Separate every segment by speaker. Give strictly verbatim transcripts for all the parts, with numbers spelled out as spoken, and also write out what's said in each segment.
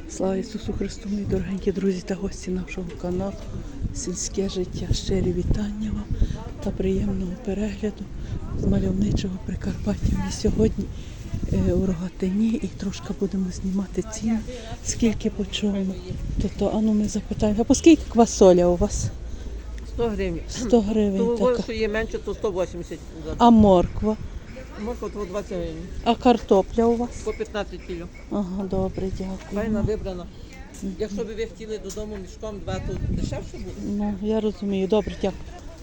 Speaker 1: Слава Ісусу Христу, мої дорогенькі друзі та гості нашого каналу «Сільське життя». Щирі вітання вам та приємного перегляду з мальовничого Прикарпаття. Ми сьогодні е, у Рогатині і трошки будемо знімати ціни, скільки по чому. Тобто, а ну ми запитаємо, а по скільки квасоля у вас?
Speaker 2: сто гривень.
Speaker 1: сто гривень
Speaker 2: Того,
Speaker 1: така.
Speaker 2: що є менше, то сто вісімдесят.
Speaker 1: А морква?
Speaker 2: Морква то двадцять гривень.
Speaker 1: А картопля у вас?
Speaker 2: По п'ятнадцять кіло.
Speaker 1: Ага, добре,
Speaker 2: Файна
Speaker 1: дякую.
Speaker 2: вибрана. Якщо б ви хотіли додому мішком два, то дешевше буде.
Speaker 1: Ну, я розумію, добре, дякую.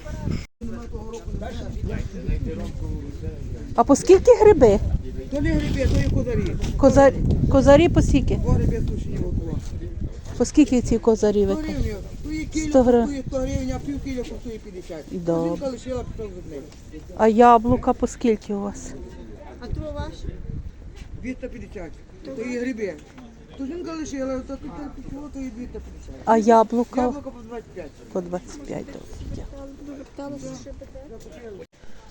Speaker 1: А по скільки гриби?
Speaker 3: То не гриби, то є козарі.
Speaker 1: Козар... Козарі по скільки?
Speaker 3: Два гриби тушені одного.
Speaker 1: По скільки ці козарі ви
Speaker 3: сто
Speaker 1: кажете?
Speaker 3: гривень. То є
Speaker 1: сто
Speaker 3: кіло
Speaker 1: гривень.
Speaker 3: коштує сто гривень, а пів кіло коштує п'ятдесят.
Speaker 1: Добре.
Speaker 3: Жінка лишила пішов з нею.
Speaker 1: А яблука по скільки у вас?
Speaker 4: А то ваш?
Speaker 3: двісті п'ятдесят. То є гриби. То жінка лишила, то тут пішло, то є двісті п'ятдесят.
Speaker 1: А яблука?
Speaker 3: Яблуко по двадцять п'ять.
Speaker 1: По двадцять п'ять доларів.
Speaker 4: Дуже питалася, що питає.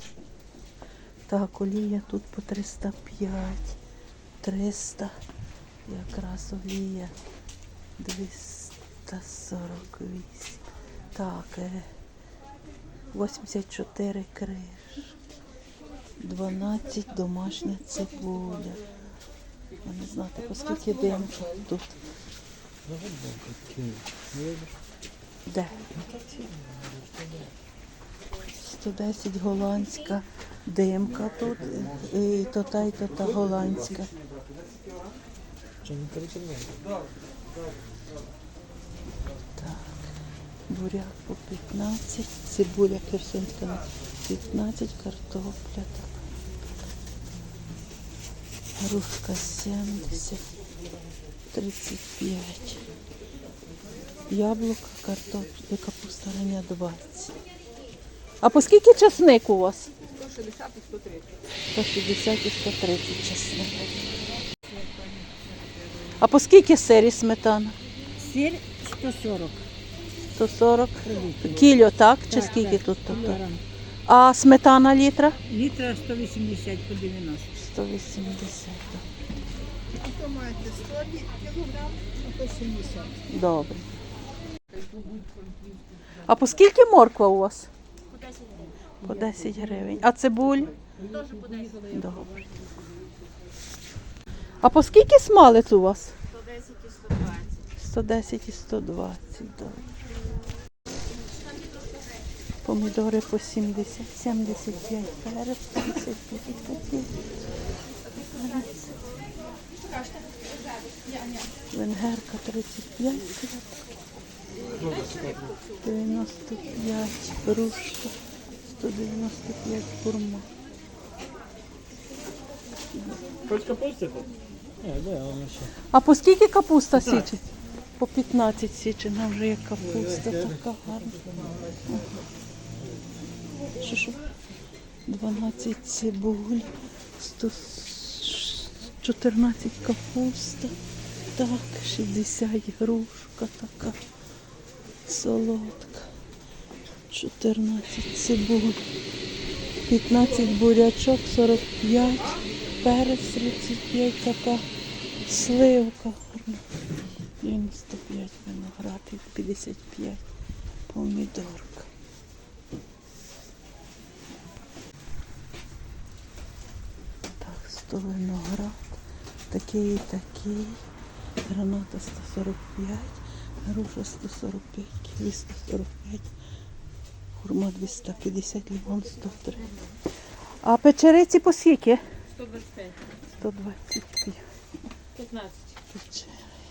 Speaker 1: Так, олія тут по триста п'ять, триста, якраз олія двісті сорок вісім. Так, е, вісімдесят чотири криш, дванадцять домашня цибуля. Я не знати, по скільки димка тут. Де? сто десять голландська димка тут, і то та, і то та голландська. Так, буряк по п'ятнадцять, цибуля херсонська на п'ятнадцять, картопля так. Грушка сімдесят, тридцять п'ять. Яблука, картопля, капуста рання двадцять. А по скільки часник у вас?
Speaker 2: сто шістдесят і сто тридцять.
Speaker 1: сто шістдесят і сто тридцять часник. А по скільки сир і сметана?
Speaker 4: Сир сто сорок.
Speaker 1: сто сорок. Кіло, так? Чи скільки тут? Тобто? А сметана літра?
Speaker 4: Літра сто вісімдесят по дев'яносто.
Speaker 1: сто вісімдесят.
Speaker 4: А то маєте сто кілограм, а то сімдесят.
Speaker 1: Добре. А по скільки морква у вас? По десять гривень. А цибуль?
Speaker 4: Теж по десять.
Speaker 1: Добре. А по скільки смалець у вас?
Speaker 4: сто десять і сто двадцять.
Speaker 1: сто десять і сто двадцять. Добре. Помідори по сімдесят, сімдесят п'ять перець, п'ятдесят п'ять копійок. Венгерка тридцять п'ять, дев'яносто п'ять, грушка, сто дев'яносто п'ять хурма.
Speaker 5: Хоч капусти хоч? Ні, де вона ще?
Speaker 1: А по скільки капуста січе? По п'ятнадцять січена вже є капуста, така гарна. Ага. Що, що? дванадцять цибуль, сто чотирнадцять капуста, так, шістдесят грушка така, солодка, чотирнадцять цибуль, п'ятнадцять бурячок, сорок п'ять, перець тридцять п'ять, така сливка гарна, дев'яносто п'ять виноград і п'ятдесят п'ять помідорка. Так, сто виноград, такий і такий, граната сто сорок п'ять, груша сто сорок п'ять, ківі сто сорок п'ять, хурма двісті п'ятдесят, лимон сто три. А печериці по скільки?
Speaker 2: сто двадцять п'ять.
Speaker 1: сто двадцять п'ять.
Speaker 2: п'ятнадцять.
Speaker 1: Печериці.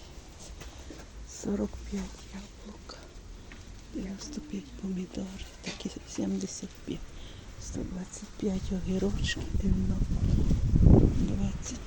Speaker 1: сорок п'ять яблука, дев'яносто п'ять помідори, такі сімдесят п'ять. сто двадцять п'ять огірочки, дев'яносто, двадцять.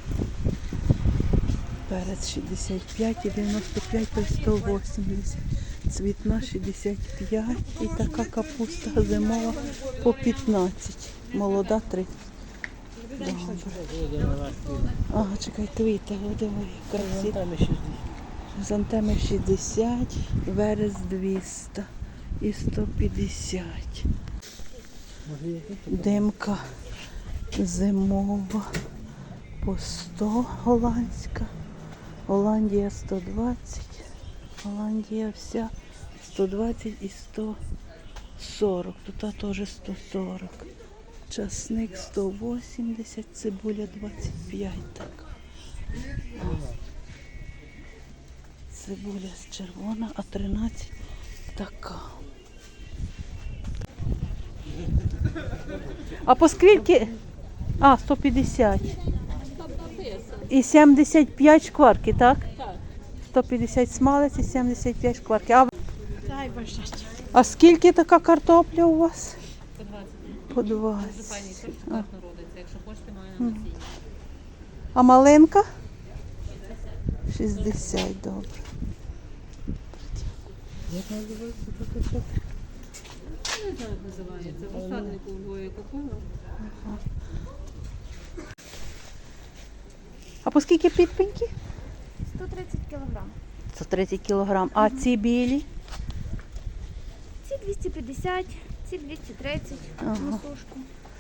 Speaker 1: Перець шістдесят п'ять і дев'яносто п'ять, то сто вісімдесят. Цвітна шістдесят п'ять і така капуста зимова по п'ятнадцять. Молода тридцять. Добре. Ага, чекай, твіта, диви, красиво.
Speaker 5: Там ще
Speaker 1: Хризантеми шістдесят, верес двісті і сто п'ятдесят. Димка зимова по сто голландська, Голландія сто двадцять. Голландія вся сто двадцять і сто сорок. Тут теж сто сорок. Часник сто вісімдесят, цибуля двадцять п'ять така. Цибуля червона, а тринадцять така. А по скільки? А, сто п'ятдесят. І сімдесят п'ять шкварки, так?
Speaker 2: Так.
Speaker 1: сто п'ятдесят смалець і сімдесят п'ять шкварки. А,
Speaker 4: Дай Боже.
Speaker 1: а скільки така картопля у вас?
Speaker 2: По двадцять.
Speaker 1: По
Speaker 2: Дуже
Speaker 1: двадцять.
Speaker 2: файний сорт так народиться. Якщо хочете, маю на насіння.
Speaker 1: А маленька? шістдесят, добре.
Speaker 5: Як називається така штука?
Speaker 2: Я не знаю, як називається. В розсаднику у Львові купила.
Speaker 1: А по скільки підпеньки?
Speaker 6: сто тридцять кілограм.
Speaker 1: сто тридцять кілограм. А ці білі?
Speaker 6: Ці двісті п'ятдесят, ці двісті тридцять
Speaker 1: Ага.
Speaker 6: на сушку.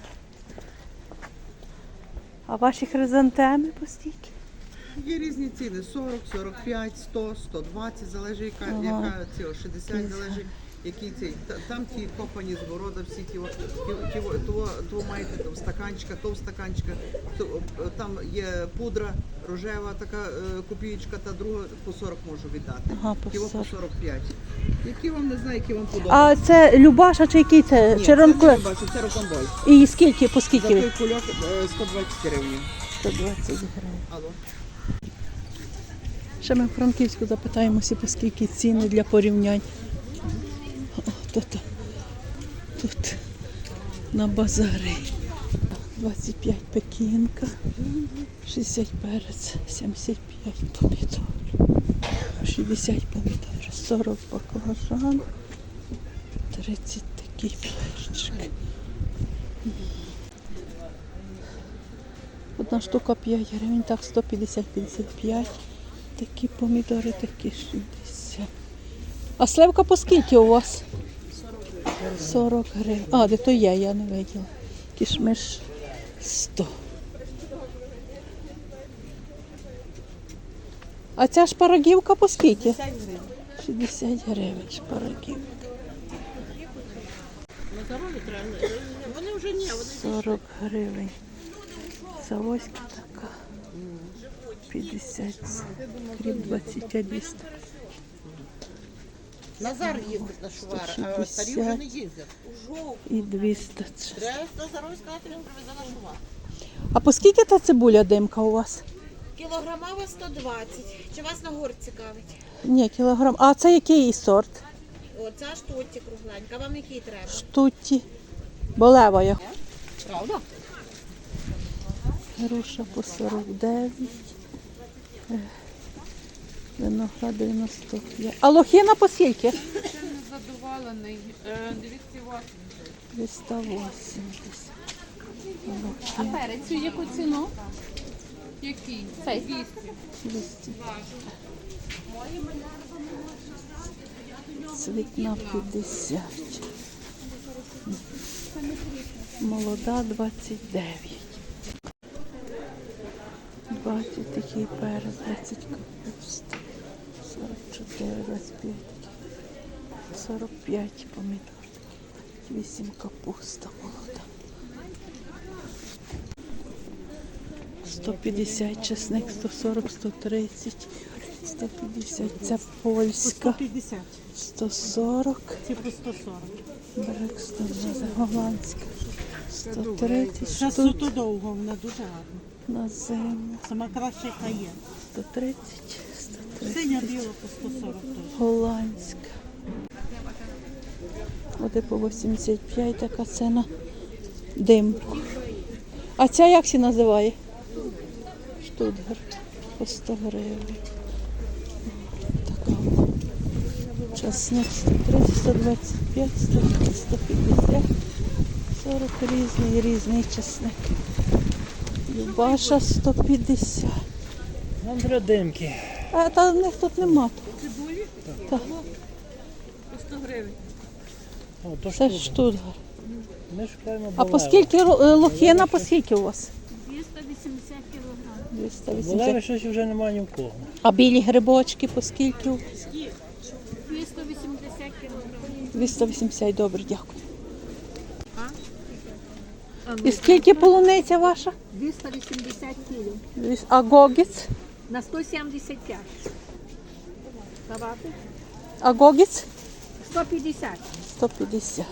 Speaker 1: А ваші хризантеми по стільки?
Speaker 7: Є різні ціни: сорок, сорок п'ять, сто, сто двадцять, залежить яка,
Speaker 1: Ага.
Speaker 7: яка ціла, шістдесят, залежить який цей. Та- Там ті копані з города, всі ті, о- ті, ті, о- того, того маєте там стаканчика, то в стаканчика, то, о, там є пудра рожева, така е, копієчка, та друга по сорок можу віддати.
Speaker 1: Ага, по
Speaker 7: Ті о
Speaker 1: сорок.
Speaker 7: по сорок п'ять. Які вам не знаю, які вам подобаються.
Speaker 1: А це Любаша чи який це?
Speaker 7: Ні,
Speaker 1: Чи
Speaker 7: це не
Speaker 1: ранкове?
Speaker 7: бачу, це рокомбой.
Speaker 1: І скільки, по
Speaker 7: За
Speaker 1: скільки?
Speaker 7: той
Speaker 1: ви?
Speaker 7: кульок е, сто двадцять гривень.
Speaker 1: сто двадцять гривень.
Speaker 7: Алло.
Speaker 1: Ще ми в Франківську запитаємося, по скільки ціни для порівнянь. О, тут, тут на базарі. двадцять п'ять пекінка, шістдесят перець, сімдесят п'ять помідор, шістдесят помідор, сорок баклажан, тридцять такий перчик. Одна штука п'ять гривень, так сто п'ятдесят - п'ятдесят п'ять. Такі помідори, такі шістдесят. А сливка по скільки у вас? сорок гривень. А, де то є, я не виділа. Кішмиш сто. А ця шпарагівка по скільки? шістдесят гривень шпарагівка.
Speaker 2: На здоров'я треба. Вони вже ні, вони
Speaker 1: сорок гривень. Завозька така. п'ятдесят. Кріп двадцять п'ять двісті.
Speaker 2: Назар їздить на Шувара, а старі вже не їздять.
Speaker 1: І двісті.
Speaker 2: Треба Назарові сказати, він привезе на Шувар.
Speaker 1: А по скільки та цибуля димка у вас?
Speaker 6: Кілограмова сто двадцять. Чи вас на горд цікавить?
Speaker 1: Ні, кілограм. А це який її сорт?
Speaker 6: Оця штуці кругленька. Вам який треба?
Speaker 1: Штуті. Болева я.
Speaker 2: Правда?
Speaker 1: Груша по сорок дев'ять. Е, Виноград дев'яносто п'ять. А лохина по скільки?
Speaker 8: Задоволений. двісті вісімдесят.
Speaker 1: двісті вісімдесят.
Speaker 8: А перець у яку ціну? Який? Цей. двісті.
Speaker 1: двісті. Цвітна п'ятдесят. Молода двадцять дев'ять. двадцять такий перець, двадцять капуста. сорок чотири, двадцять п'ять такий. сорок п'ять помідор. вісім капуста молода. сто п'ятдесят чесник, сто сорок, сто тридцять, сто п'ятдесят. Це польська. сто сорок.
Speaker 9: Ці по сто сорок.
Speaker 1: Брек сто двадцять. Голландська. сто тридцять
Speaker 9: Це
Speaker 1: штук
Speaker 9: суто довго, вона дуже гарна.
Speaker 1: на зиму.
Speaker 9: Сама краща, яка є.
Speaker 1: сто тридцять, сто
Speaker 9: Синя
Speaker 1: тридцять.
Speaker 9: біла по сто сорок теж.
Speaker 1: Голландська. Оде по вісімдесят п'ять така ціна. Димку. А ця як ще називає? Штутгар. По сто гривень. Така. Часник сто тридцять, сто двадцять п'ять, сто тридцять, сто п'ятдесят. сорок різний, різний часник. Любаша сто п'ятдесят.
Speaker 5: Нам треба димки.
Speaker 1: А та в них тут нема. Так.
Speaker 2: По сто гривень.
Speaker 5: О, то
Speaker 1: Це
Speaker 5: ж
Speaker 1: Штутгар.
Speaker 5: Ми шукаємо
Speaker 1: А по
Speaker 5: балева.
Speaker 1: скільки ро- е, лохина, по скільки у вас?
Speaker 6: двісті вісімдесят кілограм.
Speaker 1: двісті
Speaker 5: Болеви
Speaker 1: вісімдесят.
Speaker 5: щось вже немає ні в кого.
Speaker 1: А білі грибочки по скільки?
Speaker 8: двісті вісімдесят кілограмів.
Speaker 1: двісті вісімдесят, добре, дякую. І скільки полуниця ваша?
Speaker 4: двісті вісімдесят кіло.
Speaker 1: Двіс- А гогіць?
Speaker 4: На сто сімдесят п'ять. Давати?
Speaker 1: А гогіць?
Speaker 4: сто п'ятдесят.
Speaker 1: сто п'ятдесят.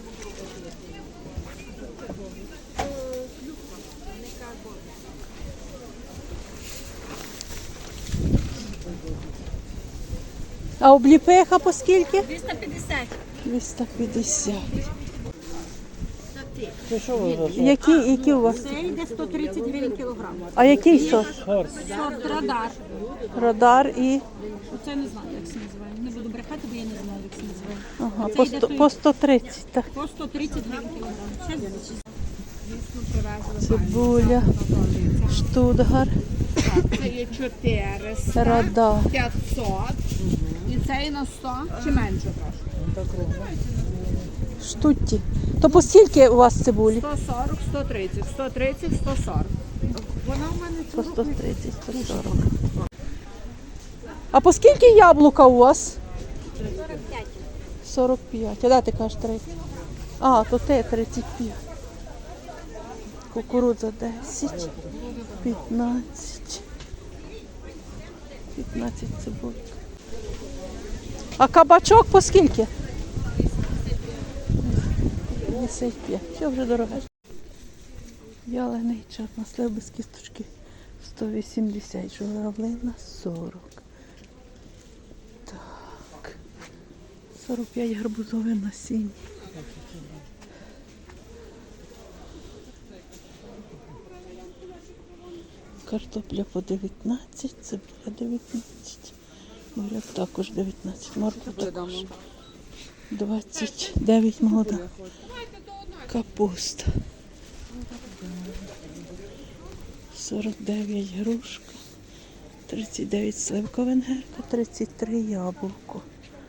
Speaker 1: А обліпиха по скільки?
Speaker 4: двісті п'ятдесят.
Speaker 1: двісті п'ятдесят.
Speaker 5: Це що ви за сорт?
Speaker 1: Які, які у вас?
Speaker 4: Це йде сто тридцять гривень кілограм.
Speaker 1: А який сорт?
Speaker 5: Сорт.
Speaker 4: Сорт радар.
Speaker 1: Радар і
Speaker 4: Оце не знаю, як це називає. Не буду брехати, бо я не знаю, як це називає.
Speaker 1: ага,
Speaker 4: Це
Speaker 1: по,
Speaker 4: йде
Speaker 1: сто,
Speaker 4: той-
Speaker 1: по сто тридцять. Так.
Speaker 4: По сто тридцять гривень кілограм. Ще звідси.
Speaker 1: Цибуля, штутгар,
Speaker 4: Це є чотириста,
Speaker 1: радар.
Speaker 4: п'ятсот. І це і на сто чи менше трошки?
Speaker 1: Штутті. То по скільки у вас цибулі?
Speaker 4: сто сорок, сто тридцять, сто тридцять, сто сорок.
Speaker 7: Вона в мене
Speaker 1: По сто тридцять, сто сорок. А по скільки яблука у вас?
Speaker 6: сорок п'ять.
Speaker 1: сорок п'ять. А де ти кажеш тридцять? А, то те тридцять п'ять. Кукурудза десять, п'ятнадцять. п'ятнадцять цибулька. А кабачок по скільки? п'ятдесят п'ять. Все вже дороге. Вялений чорнослив без кісточки сто вісімдесят. Журавлина сорок. Так. сорок п'ять гарбузове насіння. Картопля по дев'ятнадцять, цибуля дев'ятнадцять. Буряк також дев'ятнадцять. Морква також двадцять дев'ять молода. Капуста. сорок дев'ять грушка. тридцять дев'ять сливка венгерка, тридцять три яблуко.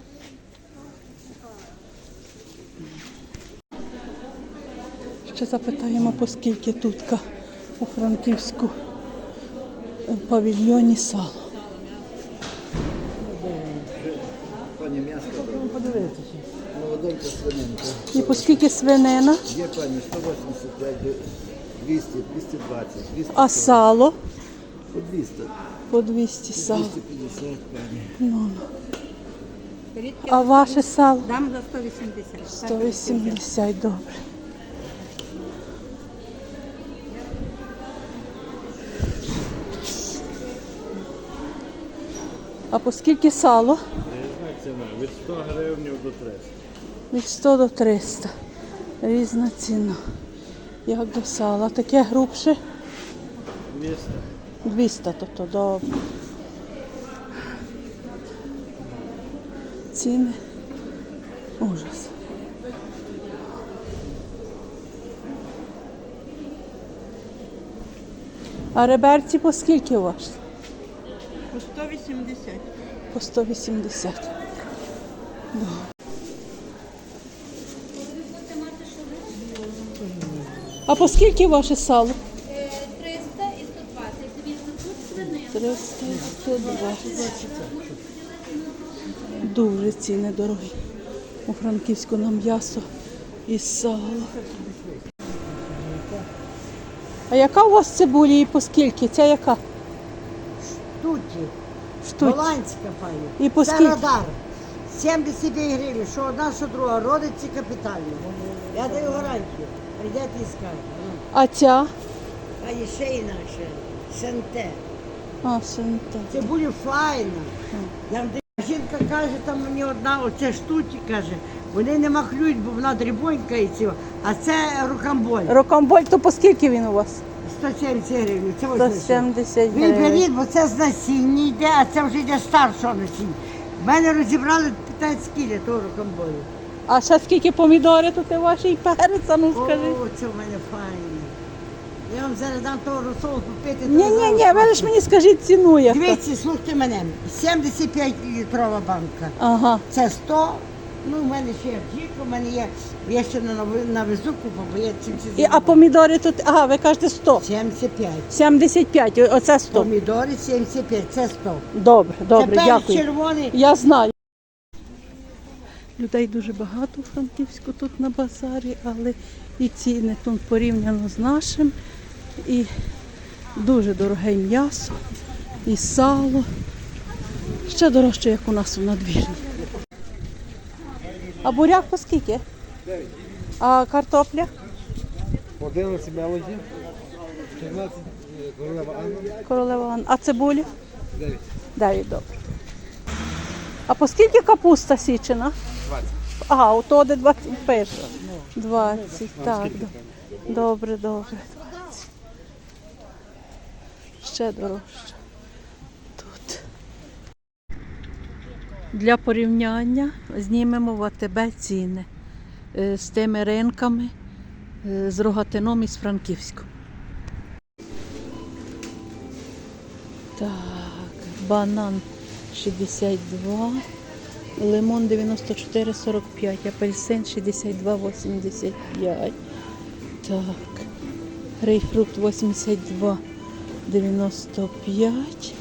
Speaker 1: Ще запитаємо, по скільки тутка у Франківську в павільйоні сало.
Speaker 10: Пані м'ясо, молоденька свининка.
Speaker 1: І по скільки свинина,
Speaker 10: Є пані сто вісімдесят п'ять, двісті, двісті двадцять, двісті
Speaker 1: а сало
Speaker 10: по двісті,
Speaker 1: по двісті сало.
Speaker 10: двісті п'ятдесят, пані.
Speaker 1: Ну, ну. А ваше сало?
Speaker 4: Дам за сто вісімдесят.
Speaker 1: сто вісімдесят, добре. А по скільки сало?
Speaker 5: Різна ціна від сто гривень до триста.
Speaker 1: Від сто до триста. Різна ціна. Як до сала. Таке грубше
Speaker 5: двісті.
Speaker 1: двісті, тобто добре. Ціни. Ужас. А реберці по скільки у вас?
Speaker 9: По сто вісімдесят.
Speaker 1: По сто вісімдесят. Добре. А по скільки ваше сало?
Speaker 8: триста і сто двадцять. Дивіться, тут свинина.
Speaker 1: триста і сто двадцять. Дуже ціни дорогі. У Франківську на м'ясо і сало. А яка у вас цибулі і по скільки? Ця яка?
Speaker 3: Туті.
Speaker 1: Штук.
Speaker 3: Голландська пані.
Speaker 1: І по
Speaker 3: Це
Speaker 1: скільки?
Speaker 3: радар. сімдесят п'ять гривень, що одна, що друга. Родиться капітально. Я даю гарантію. Прийдете і скажете.
Speaker 1: А ця?
Speaker 3: А є ще інакше. Сенте.
Speaker 1: А, синта.
Speaker 3: Це буде файно. Я вам даю. Жінка каже, там мені одна, оце штуті, каже, вони не махлюють, бо вона дрібонька і цього. А це рукамболь.
Speaker 1: Рокамболь, то по скільки він у вас?
Speaker 3: сто сімдесят гривень. Це
Speaker 1: сто
Speaker 3: ось.
Speaker 1: сімдесят
Speaker 3: Ви
Speaker 1: гривень.
Speaker 3: беріть, бо це з насіння йде, а це вже йде старшого насіння. В мене розібрали п'ятнадцять кілі того рукамболю.
Speaker 1: А ще скільки помідори тут і ваші і перець, а ну
Speaker 3: О,
Speaker 1: скажи.
Speaker 3: це в мене файне. Я вам зараз дам того розсолу попити.
Speaker 1: Ні, ні, ні, ви ж мені скажіть ціну яка.
Speaker 3: Дивіться, слухайте мене. сімдесят п'ять літрова банка.
Speaker 1: Ага.
Speaker 3: Це сто, Ну, у мене ще є жінка, у мене є, я ще на, на везу купа, бо я сімдесят
Speaker 1: І, а помідори тут, ага, ви кажете сто.
Speaker 3: сімдесят п'ять.
Speaker 1: сімдесят п'ять, оце сто.
Speaker 3: Помідори сімдесят п'ять, це сто.
Speaker 1: Добре, добре,
Speaker 3: Тепер
Speaker 1: дякую.
Speaker 3: червоний.
Speaker 1: Я знаю. Людей дуже багато у Франківську тут на базарі, але і ціни тут порівняно з нашим. І дуже дороге і м'ясо, і сало. Ще дорожче, як у нас у надвірні. А буряк по скільки? А картопля?
Speaker 10: одинадцять мелоді, чотирнадцять королева Анна,
Speaker 1: Королева Анна. А цибуля?
Speaker 10: дев'ять.
Speaker 1: Дев'ять, добре. А по скільки капуста січена?
Speaker 10: двадцять.
Speaker 1: Ага, у того де двадцять пише. двадцять, так. до- Добре, добре. двадцять. Ще дорожче. Тут. Для порівняння знімемо в АТБ ціни е, з тими ринками, е, з Рогатином і з Франківськом. Так, банан шістдесят два, лимон дев'яносто чотири сорок п'ять, апельсин шістдесят два вісімдесят п'ять. Так, грейпфрут вісімдесят два дев'яносто п'ять.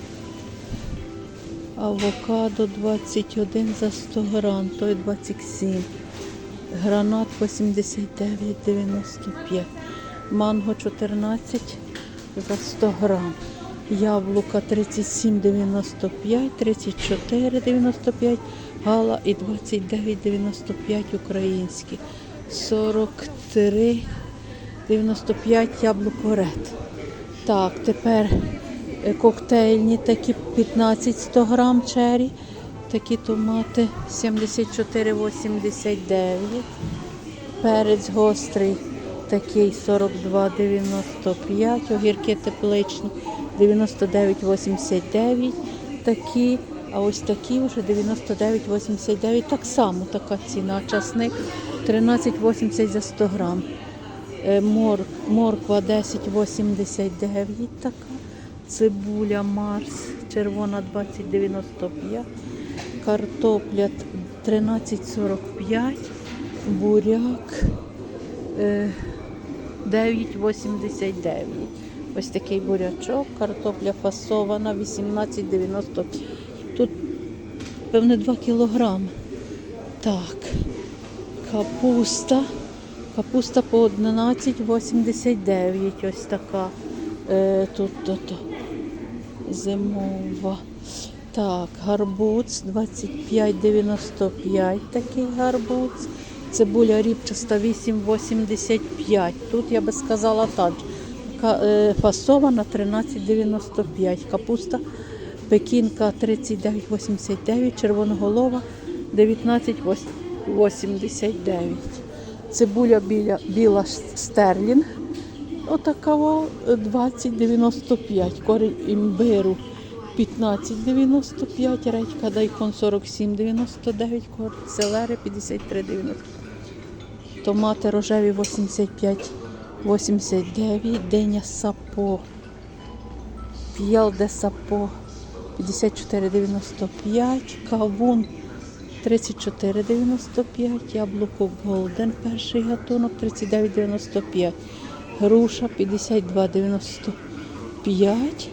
Speaker 1: Авокадо двадцять один за сто грам, той двадцять сім. Гранат вісімдесят дев'ять дев'яносто п'ять. Манго чотирнадцять за сто грам. Яблука тридцять сім дев'яносто п'ять, тридцять чотири дев'яносто п'ять, гала і двадцять дев'ять дев'яносто п'ять українські. сорок три дев'яносто п'ять яблуко ред. Так, тепер е, коктейльні такі п'ятнадцять сто грам чері. Такі томати сімдесят чотири вісімдесят дев'ять. Перець гострий такий сорок два дев'яносто п'ять. Огірки тепличні дев'яносто дев'ять вісімдесят дев'ять. Такі, а ось такі вже дев'яносто дев'ять вісімдесят дев'ять. Так само така ціна. Часник тринадцять вісімдесят за сто грам. Е, Мор, морква десять вісімдесят дев'ять така. Цибуля Марс червона двадцять дев'яносто п'ять. Картопля тринадцять сорок п'ять. Буряк е, дев'ять вісімдесят дев'ять. Ось такий бурячок. Картопля фасована вісімнадцять дев'яносто п'ять. Тут, певне, два кілограми. Так. Капуста. Капуста по одинадцять вісімдесят дев'ять. Ось така. Е, тут то, то. Зимова. Так, гарбуз двадцять п'ять дев'яносто п'ять. Такий гарбуз. Цибуля ріпчаста вісім вісімдесят п'ять. Тут я би сказала так. Фасована тринадцять дев'яносто п'ять. Капуста пекінка тридцять дев'ять вісімдесят дев'ять. Червоноголова дев'ятнадцять вісімдесят дев'ять. Цибуля біля, біла стерлінг. Отакого двадцять дев'яносто п'ять. Корінь імбиру п'ятнадцять дев'яносто п'ять. Редька дайкон сорок сім дев'яносто дев'ять. Корінь селери п'ятдесят три дев'яносто п'ять. Томати рожеві вісімдесят п'ять вісімдесят дев'ять. Диня сапо. П'єл де сапо п'ятдесят чотири дев'яносто п'ять. Кавун тридцять чотири дев'яносто п'ять. Яблуко Голден перший гатунок тридцять дев'ять дев'яносто п'ять. Груша п'ятдесят два дев'яносто п'ять.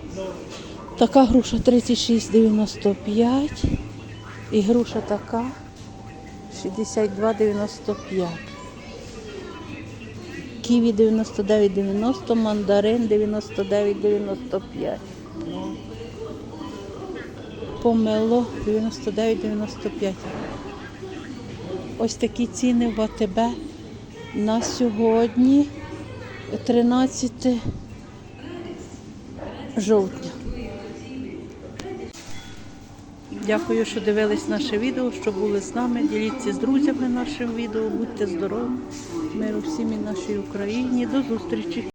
Speaker 1: Така груша тридцять шість дев'яносто п'ять. І груша така шістдесят два дев'яносто п'ять. Ківі дев'яносто дев'ять дев'яносто, мандарин дев'яносто дев'ять дев'яносто п'ять. Помело дев'яносто дев'ять дев'яносто п'ять. Ось такі ціни в АТБ на сьогодні, тринадцяте жовтня. Дякую, що дивились наше відео, що були з нами. Діліться з друзями нашим відео. Будьте здорові. Миру всім і нашій Україні. До зустрічі.